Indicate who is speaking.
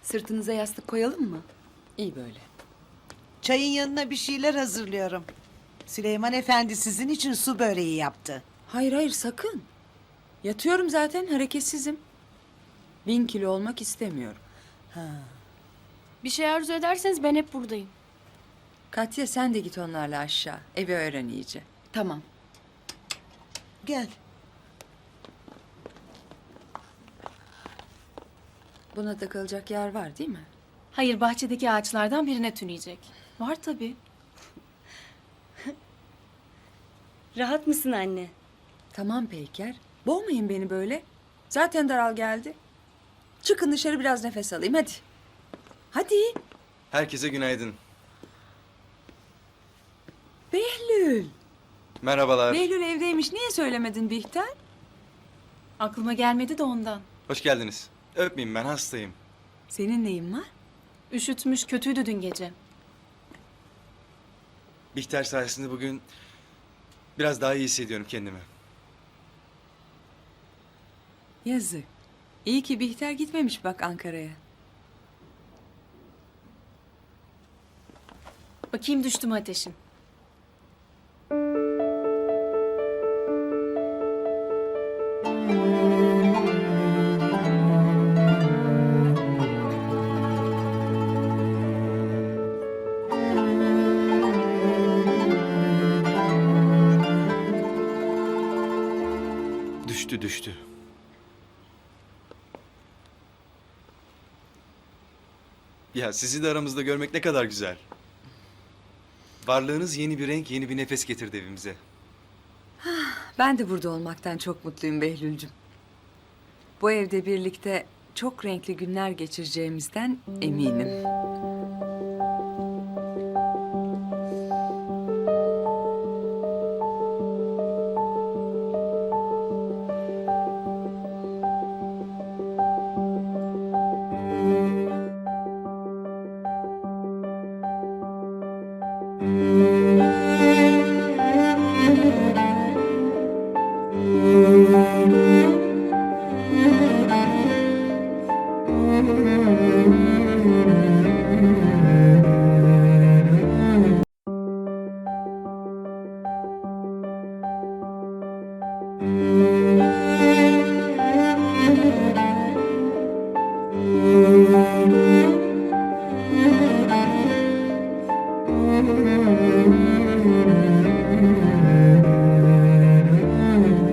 Speaker 1: Sırtınıza yastık koyalım mı?
Speaker 2: İyi böyle.
Speaker 3: Çayın yanına bir şeyler hazırlıyorum. Süleyman Efendi sizin için su böreği yaptı.
Speaker 2: Hayır hayır sakın. Yatıyorum zaten, hareketsizim. 1000 kilo olmak istemiyorum.
Speaker 4: Bir şey arzu ederseniz ben hep buradayım.
Speaker 2: Katya sen de git onlarla aşağı. Evi öğren iyice.
Speaker 1: Tamam.
Speaker 3: Gel.
Speaker 2: Buna da kalacak yer var değil mi?
Speaker 4: Hayır, bahçedeki ağaçlardan birine tüneyecek. Var tabii.
Speaker 5: Rahat mısın anne?
Speaker 2: Tamam Peyker. Boğmayın beni böyle. Zaten daral geldi. Çıkın dışarı biraz nefes alayım hadi. Hadi.
Speaker 6: Herkese günaydın.
Speaker 2: Behlül.
Speaker 6: Merhabalar.
Speaker 2: Behlül evdeymiş. Niye söylemedin Bihter?
Speaker 4: Aklıma gelmedi de ondan.
Speaker 6: Hoş geldiniz. Öpmeyeyim, ben hastayım.
Speaker 2: Senin neyin var?
Speaker 4: Üşütmüş, kötüydü dün gece.
Speaker 6: Bihter sayesinde bugün biraz daha iyi hissediyorum kendimi.
Speaker 2: Yazık. İyi ki Bihter gitmemiş bak Ankara'ya.
Speaker 4: Bakayım düştü mü ateşin?
Speaker 6: Düştü. Ya sizi de aramızda görmek ne kadar güzel. Varlığınız yeni bir renk, yeni bir nefes getirdi evimize.
Speaker 2: Ben de burada olmaktan çok mutluyum Behlül'cüm. Bu evde birlikte çok renkli günler geçireceğimizden eminim.